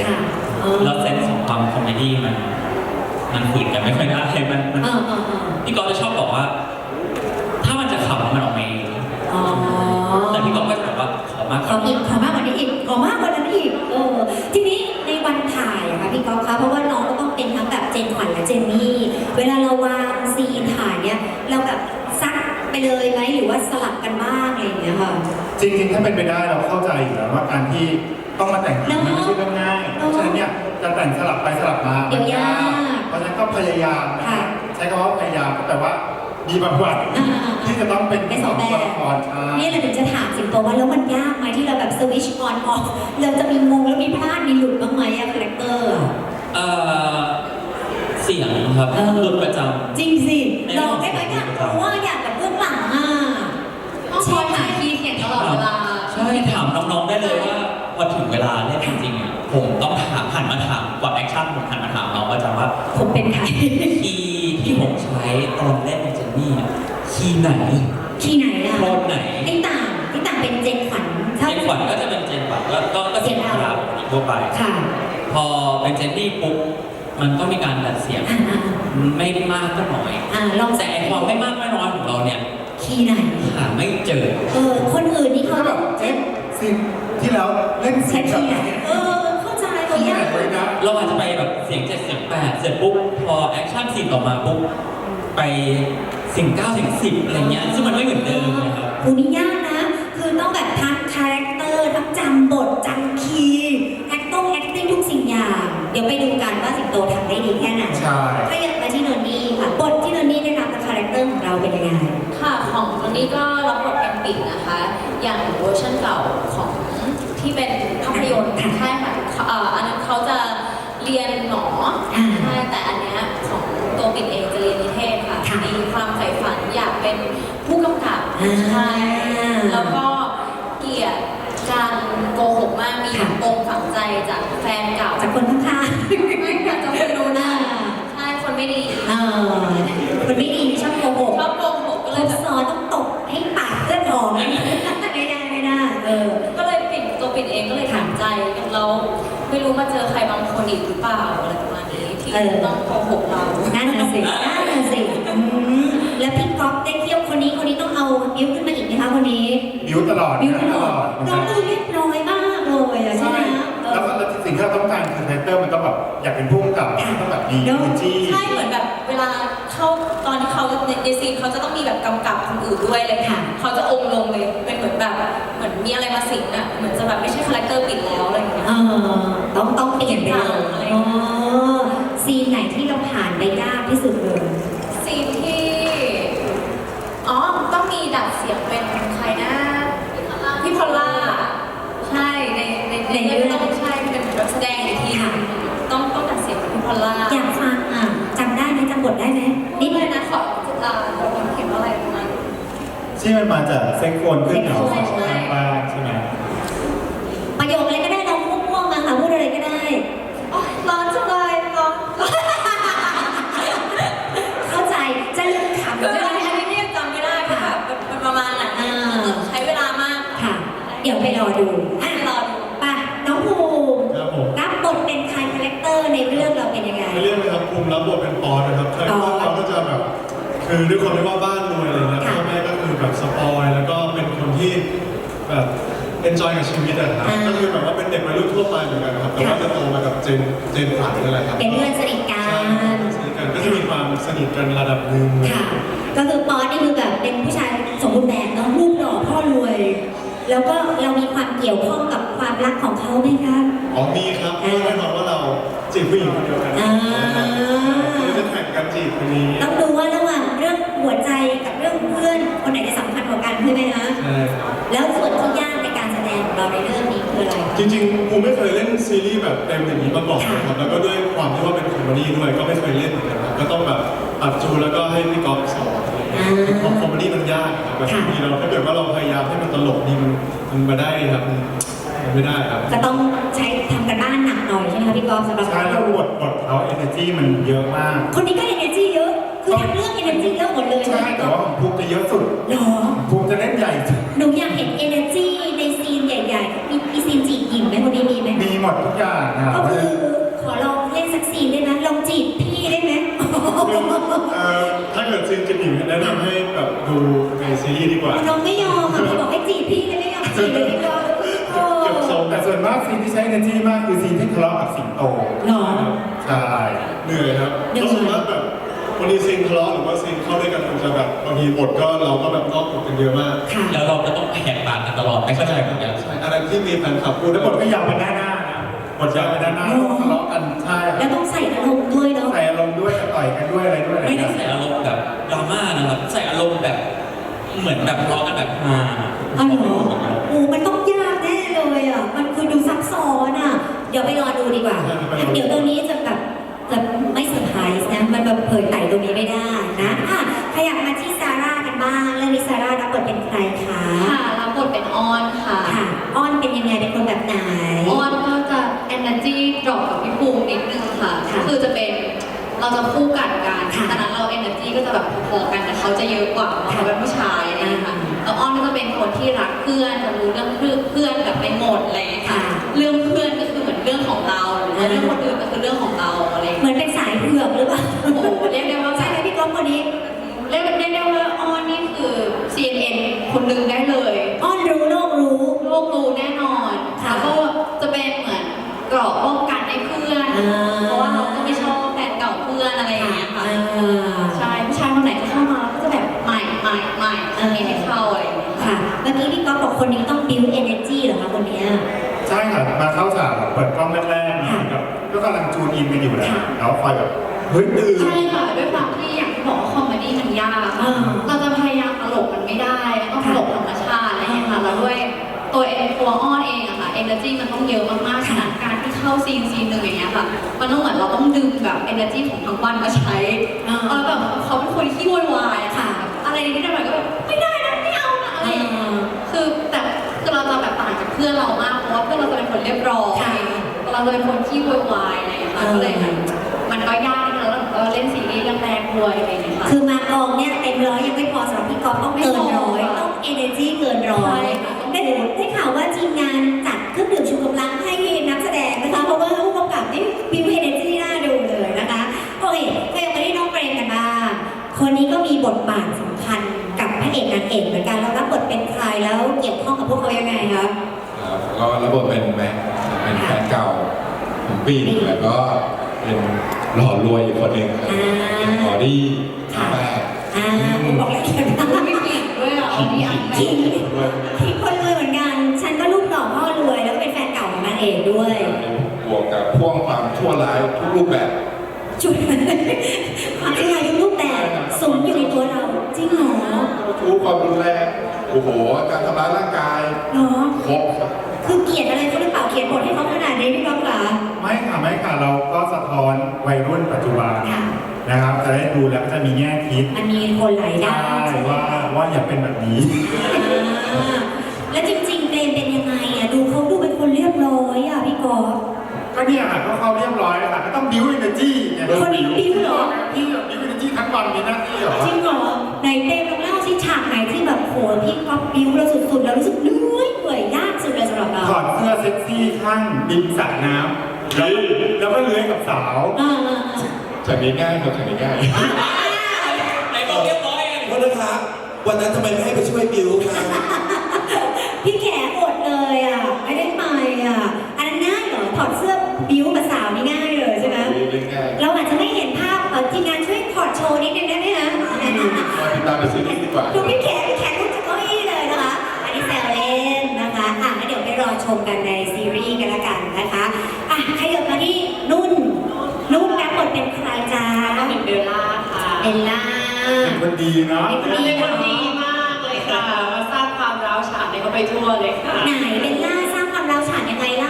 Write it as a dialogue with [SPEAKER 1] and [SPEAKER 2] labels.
[SPEAKER 1] แล้วเซนส์ของความคอมเมดี้มันฝืนกันไม่ค่อยได้มันพี่ก๊อฟจะชอบบอกว่าถ้ามันจะขำมันออกมาเองแต่พี่ก๊อฟก็จะบอกว่าขอมากกว่านี้
[SPEAKER 2] ขอมากกว่านี้อีกขอมากกว่านั้นอีกทีนี้ในวันถ่ายอะค่ะพี่ก๊อฟคะเพราะว่าน้องก็ต้องเป็นทั้งแบบเจนขวัญและเจนนี่เวลาเราวางซีนถ่ายเนี่ยเราแบบซักไปเลยไหมหรือว่าสลับกันบ้างอะไรอย่างเงี้ยค่ะ
[SPEAKER 3] จริงๆถ้าเป็นไปได้เราเข้าใจอยู่แล้วว่าการที่ต้องมาแต่งมันไม่ใช่เรื่องง่ายเพราะฉะนั้นเนี่ยจะแต่งสลับไปสลับมา
[SPEAKER 2] เดี๋ยวยาก
[SPEAKER 3] เพราะฉะนั้นก็พยายามใช้คำว่าพยายามแต่ว่ามีบางวันที่จะต้องเป็น
[SPEAKER 2] สองตัวละครนี่เราถึงจะถามสิงโตว่าแล้วมันยากไหมที่เราแบบสวิตช์ออนออฟเราจะมีงงแล้วมีพลาดมีหลุดบ้างไหมอะคาแรคเตอร์
[SPEAKER 1] เสียงครับหลุดประจำ
[SPEAKER 2] จริงสิลองได้ไหมเนี่ยเพราะว่าอยากแบบเบื้องหลังอะ
[SPEAKER 4] ต้องคอยหาคีย์เขียนตลอดเวลา
[SPEAKER 1] ใช่ถามน้องๆได้เลยว่าพอถึงเวลาเนี่ยจริงๆผมต้องหันมาถามก่อนแอคชั่นผมหันมาถามน้องประจำว่า
[SPEAKER 2] ผมเป็นใคร
[SPEAKER 1] คีย์ที่ผมใช้ตอนเล่นเจนนี่คีย์ไหน
[SPEAKER 2] อะ
[SPEAKER 1] โน้ตไหน
[SPEAKER 2] ที่ต่างเป็นเจนขวัญ
[SPEAKER 1] ก็จะเป็นเจนขวัญก็เสียงธรรมดาทั่วไปพอเป็นเจนนี่ปุ๊บมันก็มีการดัดเสียงไม่มากก็น้อยแต่ความไม่มากไม่น้อยของเราเนี่ย
[SPEAKER 2] คีย์ไหน
[SPEAKER 1] หาไม่เจอ
[SPEAKER 2] คนอื่นนี่เขา
[SPEAKER 3] แบบซีนที่แล้วเล่นเสียงแบบ
[SPEAKER 2] เข้าใจตัวยาก
[SPEAKER 1] เราอาจจะไปแบบเสียง7เสียง8เสร็จปุ๊บพอแอคชั่นซีนต่อมาปุ๊บไปเสียง9เสียง10อะไรเงี้ยซึ่งมันไม่เหมือนเดิมนะครับ
[SPEAKER 2] คุณนี่ยากนะคือต้องแบบทั้งคาแรคเตอร์ทั้งจำบทจำคีย์แอคติ้งทุกสิ่งอย่างเดี๋ยวไปดูกันว่าสิงโตทำได้ดีแค่ไหน
[SPEAKER 3] ใช่
[SPEAKER 2] ถ้าอยากมาที่โนนี่ค่ะบทที่โนนี่ได้รับกับคาแรคเตอร์ของเราเป็นยังไง
[SPEAKER 4] ค่ะของโนนี่ก็รับบทเป็นปิ่นนะคะอย่างเวอร์ชันเก่าของที่เป็นภาพยนตร์ใช่ค่ะอันนั้นเขาจะเรียนหมอใช่แต่อันเนี้ยของตัวปิ่นเองจะเรียนนิเทศค่ะมีความใฝ่ฝันอยากเป็นผู้กำกับใช่แล้วก็เกลียดการโกหกมากมีปมฝังใจจากแฟนเก่า
[SPEAKER 2] จากคนข้าง
[SPEAKER 4] ๆไม่อยากจะไปรู้นะใช่คนไม่ดี
[SPEAKER 2] คนไม่ดีชอบโกหก
[SPEAKER 4] ก็เลย
[SPEAKER 2] สอนต้องตบให้ปากเพื่อนออกไม่ได้
[SPEAKER 4] ก็เลยตัวปิ่นเองก็เลยถามใจเราไม่รู้มาเจอใครบางคนอีกหรือเปล่าอะไรประมาณนี้ที่ต้องโกหกเรา
[SPEAKER 2] นั่นน่ะสิแล้วพี่ก๊อฟได้เที่ยวคนนี้ต้องเอาบิ้วขึ้นมาอีกไหมคะคนนี้
[SPEAKER 3] บิ้วตลอด
[SPEAKER 2] น้องดูเรียบร้อยมากเลยใช่ไหม
[SPEAKER 3] แล้วสิ่งที่เราต้องการคือคาแรคเตอร์มันต้องแบบอยากเป็นผู้กำกับต้องแบบดีจี้
[SPEAKER 4] ใช่เหมือนแบบเวลาเข้าตอนที่เขาในซีนเขาจะต้องมีแบบกำกับคนอื่นด้วยเลยค่ะเขาจะองลงเลยเป็นเหมือนแบบเหมือนมีอะไรมาสิงอ่ะเหมือนจะแบบไม่ใช่คาแรคเตอร์ปิดแล้วอะไรอย่างเงี้ย
[SPEAKER 2] ต้องเปลี่ยนไปเลยซีนไหนที่เราผ่านไปยากที่สุดเลย
[SPEAKER 4] ซีนที่ต้องมีดัดเสียงเป็นใครนะพี่พอลล่าใช่ในเรื่องต้องใช่เป็นแบบแสดงอีกทีต้องดัดเสียงเป็นพี่พอลล่า
[SPEAKER 2] อยากฟังจำได้ไหมจำบทได้ไหม
[SPEAKER 4] นิดเลยนะขอคนเขียนว่าอะไรประมาณ
[SPEAKER 3] ที่มันมาจากเซ็กโฟนขึ้นเขาบ้านใช่ไหม
[SPEAKER 2] ประโยคอะไรก็ได้เราพูดม่วงมาค่ะพูดอะไรก็ได้
[SPEAKER 4] ร้อนจังเลยร้อน
[SPEAKER 2] เข้าใจจะเลือกขำ
[SPEAKER 4] จะอะไรอันนี้เนี่ยจำไม่ได้ค่ะเป็นประมาณนั้นใช้เวลามาก
[SPEAKER 2] ค่ะเดี๋ยวไปรอดูป่ะน้องภูมิรับบทเป็นใครคาแรคเตอร์ในเรื่องเราเป็นยังไง
[SPEAKER 5] ในเรื่องนะครับภูมิรับบทเป็นปอนนะครับคาแรคเตอร์เราก็จะแบบคือด้วยความที่ว่าบ้านรวยอะไรเงี้ยพ่อแม่ก็คือแบบสปอยแล้วก็เป็นคนที่แบบเอนจอยกับชีวิตอะครับก็คือแบบว่าเป็นเด็กวัยรุ่นทั่วไปเหมือนกันครับแต่ว่าจะโตมากับเจนขวัญนั่นแหละครับ
[SPEAKER 2] เป็นเพื่อนสนิทกัน
[SPEAKER 5] ก็จะมีความสนิทกันระดับหนึ่ง
[SPEAKER 2] ค่ะก็คือป๊อตนี่คือแบบเป็นผู้ชายสมบูรณ์แบบเนาะรูปหล่อพ่อรวยแล้วก็เรามีความเกี่ยวข้องกับความรักของเขาไหมคะ
[SPEAKER 5] มีครับแน่นอนว่าเราจีบผู้หญิงคนเดียวกันจะแข่งกันจีบคนนี้
[SPEAKER 2] ต้องดูว่าระหว่างเรื่องหัวใจกับเรื่องเพื่อนคนไหนจะสำคัญกว่ากันใช่ไหมคะ
[SPEAKER 5] ใช่
[SPEAKER 2] แล้วส่วนที่ยากในการแสดงของเราในเรื่องนี้คืออะไร
[SPEAKER 5] จริงๆผมไม่เคยเล่นซีรีส์แบบเต็มอย่างนี้มาก่อนนะครับแล้วก็ด้วยความที่ว่าเป็นคอมเมดี้ด้วยก็ไม่เคยเล่นเหมือนกันครับก็ต้องแบบอัดจูแล้วก็ให้พี่ก๊อฟสอนเพราะคอมเมดี้มันยากครับแบบทีเราถ้าเกิดว่าเราพยายามให้มันตลกนี่มันมาได้ครับมันไม่ได้ครับ
[SPEAKER 2] ก็ต้องใช้ทำกันบ้านหนักหน่อยใช่ไหมคะพี่ก๊อฟสำหรับ
[SPEAKER 3] ใช่แล้วบทเขา energy มันเยอะมาก
[SPEAKER 2] คนนี้ก็ energy เยอะคือทั้งเรื่อง energy เยอะหมดเลย
[SPEAKER 3] ใช่แต่ว่าภูมิจะเยอะสุด
[SPEAKER 2] หรอ
[SPEAKER 3] ภูมิจะเล่นใหญ่
[SPEAKER 2] หนูอยากเห็น energy ในซีนใหญ่ๆมีซีนจีบหญิงไหมคนนี้มีไหม
[SPEAKER 3] มีหมดทุกอย่างนะ
[SPEAKER 2] ก็คือขอลองเล่นสักซีนได้ไหมลองจีบพี่ได้ไหม
[SPEAKER 5] ถ้าเกิดซีนจะหนีแนะนำให้แบบดูในซีรีส์ดีกว่า
[SPEAKER 2] น้องไม่ยอมอ่ะพี่บอกให้จีบพี่เลยไม่ยอมจีบเลยพี่ก็โอ้
[SPEAKER 5] เก็บทรง
[SPEAKER 3] แต่ส่วนมากซีนที่ใช้ energy มากคือซีนที่ทะเลาะกับสิงโต
[SPEAKER 2] หรอ
[SPEAKER 3] ใช่
[SPEAKER 5] เหนื่อยครับก็สมมติแบบวันนี้ซีนทะเลาะหรือว่าซีนเข้าด้วยกันมันจะแบบบางทีบทก็เราก็แบบนอกบทกันเยอะมาก
[SPEAKER 2] ค่ะ
[SPEAKER 1] แล้วเราก็ต้องแหกปากกันตลอดไม่เข้าใจเหมือนกัน
[SPEAKER 5] ใช่อะไรที่มีแฟนคลับพูด
[SPEAKER 3] แล้
[SPEAKER 5] แล้ว ว
[SPEAKER 3] บบ ท
[SPEAKER 5] ท
[SPEAKER 3] ก็
[SPEAKER 5] ก็
[SPEAKER 3] ยาวไปด้านหน้านะบทยาวไปด้านหน้าต้องทะเลาะกันใช่
[SPEAKER 2] แล้วต้องใส่อารมณ์ด้วยเนาะ
[SPEAKER 3] ใส่อารมณ์ด้วยจะต่อยกันด้วยอะไรด้วย
[SPEAKER 1] ไม่ได้ใส่อารมณ์แบบดราม่านะครับใส่อารมณ์แบบเหมือนแบบร้องกันแบบฮา
[SPEAKER 2] อ๋อเหรอโอ้มันต้องยากแน่เลยอ่ะมันคือดูซับซ้อนอ่ะเดี๋ยวไปรอดูดีกว่า เดี๋ยวตัวนี้จะแบบจะไม่เซอร์ไพรส์นะมันแบบเผยไต่ตรงนี้ไม่ได้นะอ่ะขยับมาที่ซาร่ากันบ้างเรื่องนี้ซาร่ารับบทเป็นใครคะ
[SPEAKER 4] ค่ะรับบทเป็นออนค่ะ
[SPEAKER 2] ค่ะอ้อนเป็นยังไงเป็นคนแบบไหน
[SPEAKER 4] ออนก็จะ energy drop กับพี่ภูมินิดนึงค่ะ
[SPEAKER 2] ค่ะ
[SPEAKER 4] คือจะเป็นเราจะคู่กันกัน
[SPEAKER 2] ค่ะ
[SPEAKER 4] ฉะนั้นเรา energy ก็จะแบบพอๆกันแต่เขาจะเยอะกว่าเพราะเขาเป็นผู้ชายอะไรอย่างเงี้ยค่ะแล้วออนก็จะเป็นคนที่รักเพื่อนจะรู้เรื่องเพื่อนแบบไปหมดอะไรอย่างเงี้ยค่ะ เรื่องเพื่อนก็คือเหมือนเรื่องของเราหรือว่าเรื่องคนอื่นก็คือเรื่องของเราอะไรอย่าง
[SPEAKER 2] เหมื
[SPEAKER 4] เงี้ย
[SPEAKER 2] อนเป็นสายเผือกหรือเปล่า
[SPEAKER 4] โอ้โหเรียกได้ว่า
[SPEAKER 2] ใช่ไหมพี่ก๊อฟคนนี้
[SPEAKER 4] เรียกได้ว่าออนนี่คือ CNN คนหนึ่งได้เลย
[SPEAKER 2] อ้อนรู้โลกรู้
[SPEAKER 4] โลกรู้แน่นอน
[SPEAKER 2] ค่ะ
[SPEAKER 4] แล้วก็จะเป็นเหมือนเกราะป้องกันให้เพื่อน
[SPEAKER 2] อ่า
[SPEAKER 4] เพราะว่าเราก็ไม่ชอบแฟนเก่าเพื่อนอะไรอย่างเงี้ยค่ะ
[SPEAKER 2] อ่า
[SPEAKER 4] ใช่ผู้ชายคนไหนที่เข้ามาก็จะแบบใหม่อันนี้ไม่เข้าอะไรอย่างเงี้ย
[SPEAKER 2] ค่ะ เมื่อกี้พี่ก๊อฟบอกคนนี้ต้อง build energy เหรอคะคนเนี้ย
[SPEAKER 3] ใช่ค่ะมาเข้าฉากเปิดกล้องแรกๆนะครับก็กำลังจูนอินกันอยู่แล้วแล้วคอยแบบเฮ้ยตื่น
[SPEAKER 4] ใช่ค่ะด้วยความที่อย่างที่บอกว่าคอมเมดี้มันยาก
[SPEAKER 2] อ่า
[SPEAKER 4] เราจะพยายามตลกมันไม่ได้ต้องตลกธรรมชาติอะไรอย่างเงี้ยค่ะแล้วด้วยตัวอ้อนเองอะค่ะ energy มันต้องเยอะมากๆฉะนั้นการที่เข้าซีนหนึ่งอย่างเงี้ยค่ะมันต้องเหมือนเราต้องดึงแบบ energy ของทั้งวันมาใช้ แบบเขาเป็นคนที่โวยวายอะค่ะ อะไรนิดหน่อยก็แบบไม่ได้นะไม่เอานะอะไรอย่างเงี้ยคือเราจะแบบต่างจากเพื่อนเรามากเพราะว่าเพื่อนเราจะเป็นคนเรียบร้อย
[SPEAKER 2] ค่ะ
[SPEAKER 4] เราจะเป็นคนที่โวยวายอะไรอย่างเงี้ยค่ะก็เลยแบบมันก็ยากนะแล้วเราเล่นซีรีส์เรื่องแรกด้วยอะไรอย่างเงี้ยค่ะ
[SPEAKER 2] คือมากองเนี่ยเต็มร้อยยังไม่พอสำหรับพี่ก๊อฟต้องเกินร้อยต้อง energy เกินร้อยได้ข่าวว่าทีมงานจัดเครื่องดื่มชูกำลังให้นักแสดงนะคะเพราะว่าผู้กำกับนี่ build energy น่าดูเลยนะคะโอเคก็ยังมาที่น้องเปรมกันบ้างคนนี้ก็มีบทบาทสำคัญกับพระเอกนางเอกเหมือนกันแล้วรับบทเป็นใครแล้วเกี่ยวข้องกับพวกเขายังไงคะ
[SPEAKER 6] ครับก็รับบทเป็นแม็กซ์เป็นแฟนเก่าของปีนแล้วก็เป็นหล่อรวยอีกคนหนึ่งครับเป็นออดี้แม่
[SPEAKER 2] ผมบอกละเอียดมาก
[SPEAKER 4] ไม่เปลี่ยนด้วยอ่ะอันนี้อัน
[SPEAKER 2] จริง
[SPEAKER 6] ด้วย
[SPEAKER 2] ที่คนรวยเหมือนกัน ฉันก็ลูกหล่อพ่อรวยแล้วก็เป็นแฟนเก่าของนางเอกด้วย
[SPEAKER 6] บวกกับพ่วงความชั่วร้ายทุกรูปแบบ
[SPEAKER 2] จุดความที่อายุรูปแบบสมอยู่ในตัวเรา จริงเหรอ
[SPEAKER 6] ทุกความรุนแรงโอ้โหการทำร้ายร่างกาย
[SPEAKER 2] เนาะ
[SPEAKER 6] ครบครับ
[SPEAKER 2] คือเกลียดอะไรเขาหรือเปล่าเขียนบทให้เขาขนาดนี้พี่ก๊อฟคะ
[SPEAKER 3] ไม่ค่ะเราก็สะท้อนวัยรุ่นปัจจุบัน
[SPEAKER 2] ค่ะ
[SPEAKER 3] นะครับจะได้ดูแล้วก็จะมีแง่คิด
[SPEAKER 2] มันมีคนหลายด้า
[SPEAKER 3] ใช่
[SPEAKER 2] นใช่ไหม
[SPEAKER 3] ว่าอย่าเป็นแบบนี้
[SPEAKER 2] อ่าแล้วจริงๆเปรมเป็นยังไงอ่ะดูเขาดูเป็นคนเรียบร้อยอ่ะพี่ก๊อฟ
[SPEAKER 3] ก็เนี่ยค่ะก็เข้าเรียบร้อยแล้วค่ะก็ต้องบิ้วเอเนอร์จีเนี่ย
[SPEAKER 2] คนนี้บิ้วเหรอ
[SPEAKER 3] พี่บิ้วเอเนอร์จีทั้งวันมีหน้าที่เหรอ
[SPEAKER 2] จริงเหรอไหนเต้ลองเล่าสิฉากไหนที่แบบโหพี่ก๊อฟบิ้วเราสุดๆแล้วรู้สึกเหนื่อยยากสุดเลยสำหรับเรา
[SPEAKER 3] ถอดเสื้อเซ็กซี่ข้างริมสระน้ำแล้วก็เลื้อยกับสาว
[SPEAKER 6] ฉากนี้ง่ายครับฉากนี้ง่าย
[SPEAKER 1] ไอ้บอกเรียบร้อยไง
[SPEAKER 7] โทษนะครับวันนั้นทำไมไม่ให้ไปช่วยบิวครับ
[SPEAKER 2] พี่แขอดเลยอ่ะไม่ได้ไปอ่ะอันนั้นง่ายเหรอถอดเสื้อบิ้วกับสาวนี่ง่ายเลยใช่ไหม
[SPEAKER 6] เรื่องง่าย
[SPEAKER 2] เราอาจจะไม่เห็นภาพทีมงานช่วยถอดโชว์นิดนึงได้ไหมคะ
[SPEAKER 6] มาติดตามในซีรีส์ดีกว่า
[SPEAKER 2] ดูพี่แขลุกจากเก้าอี้เลยนะคะ อันนี้แซวเล่นนะคะอ่ะงั้นเดี๋ยวไปรอชมกันในซีรีส์กันละกันนะคะอ่ะขยับมาที่นุ่นรับบทเป็นใครจ๊ะ
[SPEAKER 4] ก็เป็นเบลล่าค่ะ
[SPEAKER 2] เบลล่า
[SPEAKER 3] เป็นคนดีเนาะ
[SPEAKER 4] เป็นคนดีมากเลยค่ะ มาสร้างความร้าวฉานให้เขาไปทั่วเลยค่ะ
[SPEAKER 2] ไหนเบลล่าสร้างความร้าวฉานยังไง